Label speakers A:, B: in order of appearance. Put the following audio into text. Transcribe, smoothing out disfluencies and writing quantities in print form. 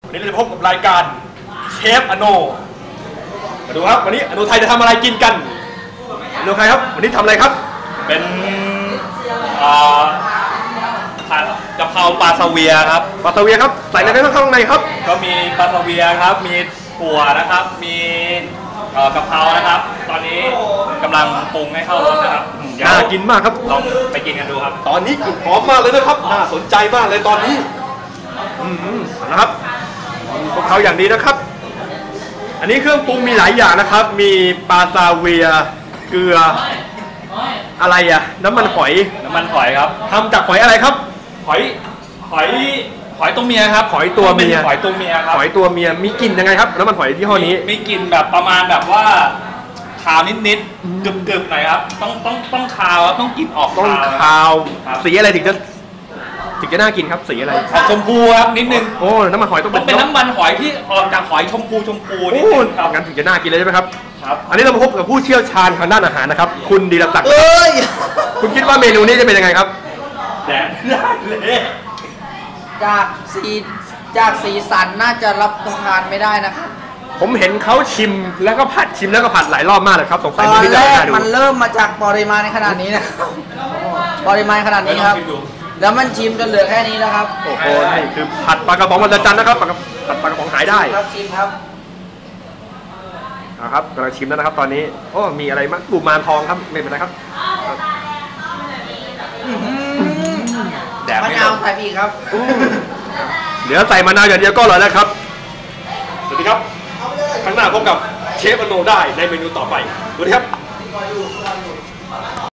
A: วันนี้เราจะพบกับรายการเชฟอโนมาดูครับวันนี้อโนไทยจะทำอะไรกินกันอโนไทยครับวันนี้ทำอะไรครับ
B: เป็นกะเพราปลาซาเวียครับ
A: ปลาซาเวียครับใส่อะไรข้างในครับ
B: ก็มีปลาซาเวียครับมีถั่วนะครับมีกะเพรานะครับตอนนี้กำลังปรุงให้เข้ารสนะครับ
A: น่ากินมากครับ
B: ลองไปกินกันดูครับ
A: ตอนนี้กลิ่นหอมมากเลยนะครับน่าสนใจมากเลยตอนนี้นะครับพวกเขาอย่างดีนะครับอันนี้เครื่องปรุงมีหลายอย่างนะครับมีปลาซาเวียเกลืออะไรอะน้ำมันหอย
B: ครับ
A: ทำจากหอยอะไรครับ
B: หอยตัวเมียครับ
A: หอยตัวเมีย
B: หอยตัวเมียครับ
A: หอยตัวเมียมีกลิ่นยังไงครับน้ำมันหอยที่ห้อนี้
B: มีกลิ่นแบบประมาณแบบว่าคาวนิดๆกึบๆหน่อยครับต้องคาวครับต้องกลิ่นออก
A: ต้องคาวสีอะไรถึงจะน่ากินครับสีอะไร
B: ชมพูครับนิดนึง
A: โอ้น้ำมันหอยต้อง
B: เป็นน้ำมันหอยที่ออกจากหอยชมพูนิดนึง
A: ครับงั้นถึงจะน่ากินเลยใช่ไหมครับ
B: ครับ
A: อันนี้เรามาพบกับผู้เชี่ยวชาญทางด้านอาหารนะครับคุณดีรศักดิ์คุณคิดว่าเมนูนี้จะเป็นยังไงครับ
B: แดดเลย
C: จากสีสันน่าจะรับประทานไม่ได้นะครับ
A: ผมเห็นเขาชิมแล้วก็ผัดชิมแล้วก็ผัดหลายรอบมากเลยครับสงสัย
C: ตอนแรกมันเริ่มมาจากปริมาณในขนาดนี้นะครับปริมาณขนาดนี้ครับแล้วมันชิมจนเหลือแค่นี้แล้วครับ
A: โอ้โหนี่คือผัดปลากระป๋องวันจันทร์นะครับผัดปลากระป๋องหายได้
C: ครับชิมครับ
A: นะครับกำลังชิมแล้วนะครับตอนนี้โอ้มีอะไรมั้งกุมารทองครับไม่เป็นไรครับ
C: แดดมะนาวใส่อีกครับ
A: เดี๋ยวใส่มะนาวอย่างเดียวก็อร่อยแล้วครับสวัสดีครับครั้งหน้าพบกับเชฟอโนได้ในเมนูต่อไปสวัสดีครับ